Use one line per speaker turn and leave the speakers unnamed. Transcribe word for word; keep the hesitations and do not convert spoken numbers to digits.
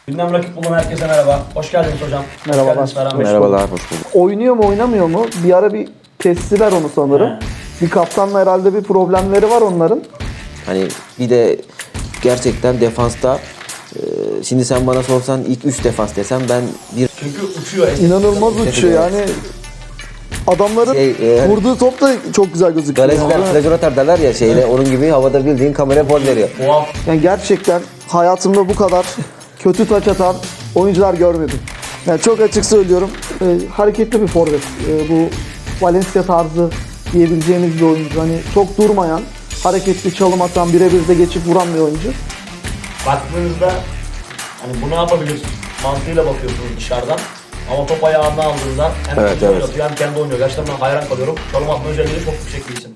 Gündem rakip bulan herkese merhaba. Hoş geldiniz hocam.
Merhabalar.
Hoş geldiniz Ferhan Bey.
Merhabalar, hoş bulduk.
Oynuyor mu oynamıyor mu? Bir ara bir kestiler onu sanırım.
He.
Bir kaptanla herhalde bir problemleri var onların.
Hani bir de gerçekten defansta e, şimdi sen bana sorsan ilk üç defans desem ben bir
Çünkü uçuyor.
İnanılmaz uçuyor yani. Adamların
Şey, e,
vurduğu top da çok güzel gözüküyor.
galeciler
Yani.
plajör atar derler ya şeyle onun gibi havada bildiğin kamera poz veriyor.
Tuhaf.
Yani gerçekten hayatımda bu kadar kötü taç atan oyuncular görmedim. Yani çok açık söylüyorum. e, hareketli bir forvet. E, bu Valencia tarzı diyebileceğimiz bir oyuncu. Hani çok durmayan, hareketli çalım atan, birebir de geçip vuran bir oyuncu.
Baktığınızda hani bu ne yapabilir mantığıyla bakıyorsunuz dışarıdan. Ama top ayağına aldığında hem
Evet,
kendi
evet.
oynatıyor hem kendi oynuyor. Gerçekten ben hayran kalıyorum. Çalım atma özelliği çok yüksek bir isim.